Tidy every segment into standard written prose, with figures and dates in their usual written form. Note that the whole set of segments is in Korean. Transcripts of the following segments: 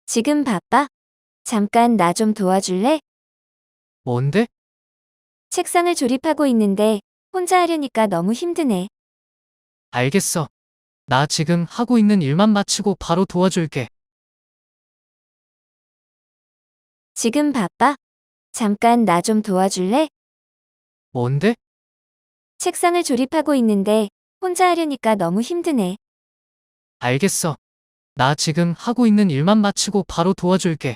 지금 바빠? 잠깐 나 좀 도와줄래? 뭔데? 책상을 조립하고 있는데 혼자 하려니까 너무 힘드네. 알겠어. 나 지금 하고 있는 일만 마치고 바로 도와줄게. 지금 바빠? 잠깐 나 좀 도와줄래? 뭔데? 책상을 조립하고 있는데 혼자 하려니까 너무 힘드네. 알겠어. 나 지금 하고 있는 일만 마치고 바로 도와줄게.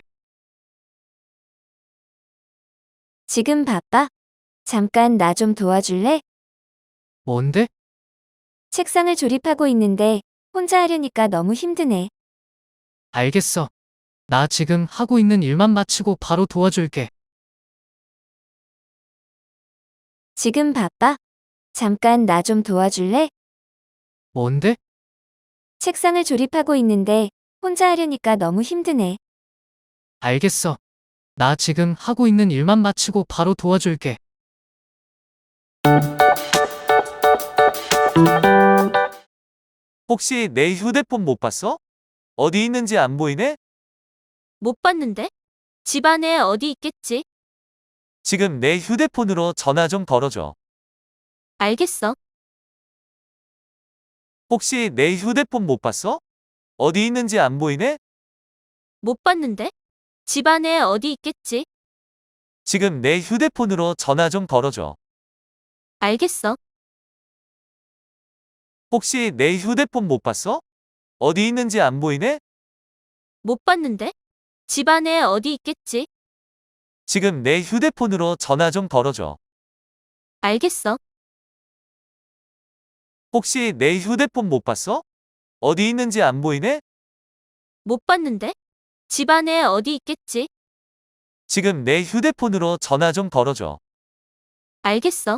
지금 바빠? 잠깐 나 좀 도와줄래? 뭔데? 책상을 조립하고 있는데 혼자 하려니까 너무 힘드네. 알겠어. 나 지금 하고 있는 일만 마치고 바로 도와줄게. 지금 바빠? 잠깐 나 좀 도와줄래? 뭔데? 책상을 조립하고 있는데 혼자 하려니까 너무 힘드네. 알겠어. 나 지금 하고 있는 일만 마치고 바로 도와줄게. 혹시 내 휴대폰 못 봤어? 어디 있는지 안 보이네? 못 봤는데? 집 안에 어디 있겠지? 지금 내 휴대폰으로 전화 좀 걸어줘. 알겠어. 혹시 내 휴대폰 못 봤어? 어디 있는지 안 보이네? 못 봤는데? 집 안에 어디 있겠지? 지금 내 휴대폰으로 전화 좀 걸어줘. 알겠어. 혹시 내 휴대폰 못 봤어? 어디 있는지 안 보이네? 못 봤는데? 집 안에 어디 있겠지? 지금 내 휴대폰으로 전화 좀 걸어줘. 알겠어. 혹시 내 휴대폰 못 봤어? 어디 있는지 안 보이네? 못 봤는데? 집 안에 어디 있겠지? 지금 내 휴대폰으로 전화 좀 걸어줘. 알겠어.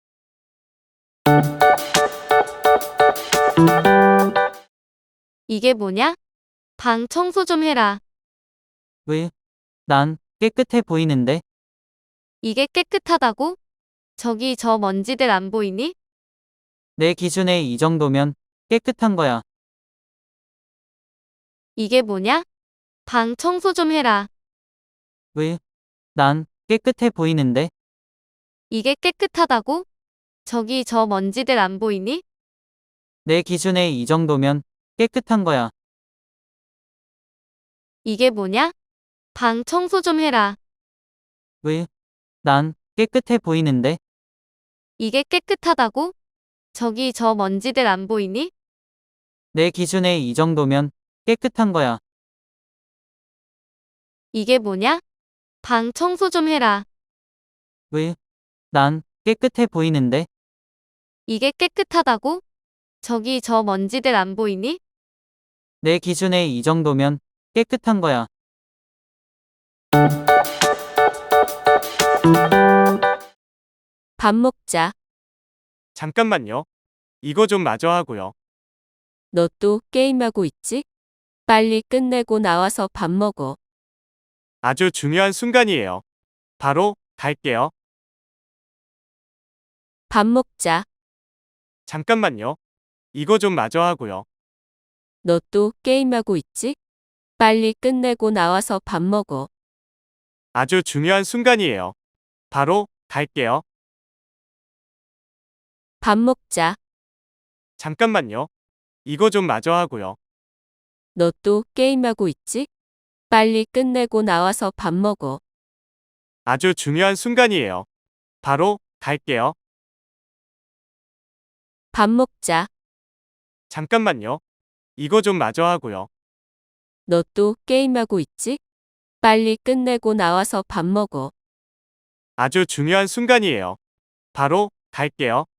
이게 뭐냐? 방 청소 좀 해라. 왜? 난 깨끗해 보이는데? 이게 깨끗하다고? 저기 저 먼지들 안 보이니? 내 기준에 이 정도면 깨끗한 거야. 이게 뭐냐? 방 청소 좀 해라. 왜? 난 깨끗해 보이는데? 이게 깨끗하다고? 저기 저 먼지들 안 보이니? 내 기준에 이 정도면 깨끗한 거야. 이게 뭐냐? 방 청소 좀 해라. 왜? 난 깨끗해 보이는데? 이게 깨끗하다고? 저기 저 먼지들 안 보이니? 내 기준에 이 정도면 깨끗한 거야. 이게 뭐냐? 방 청소 좀 해라. 왜? 난 깨끗해 보이는데? 이게 깨끗하다고? 저기 저 먼지들 안 보이니? 내 기준에 이 정도면 깨끗한 거야. 밥 먹자. 잠깐만요. 이거 좀 마저 하고요. 너 또 게임하고 있지? 빨리 끝내고 나와서 밥 먹어. 아주 중요한 순간이에요. 바로 갈게요. 밥 먹자. 잠깐만요. 이거 좀 마저 하고요. 너 또 게임하고 있지? 빨리 끝내고 나와서 밥 먹어. 아주 중요한 순간이에요. 바로 갈게요. 밥 먹자. 잠깐만요. 이거 좀 마저 하고요. 너 또 게임하고 있지? 빨리 끝내고 나와서 밥 먹어. 아주 중요한 순간이에요. 바로 갈게요. 밥 먹자. 잠깐만요. 이거 좀 마저 하고요. 너 또 게임하고 있지? 빨리 끝내고 나와서 밥 먹어. 아주 중요한 순간이에요. 바로 갈게요.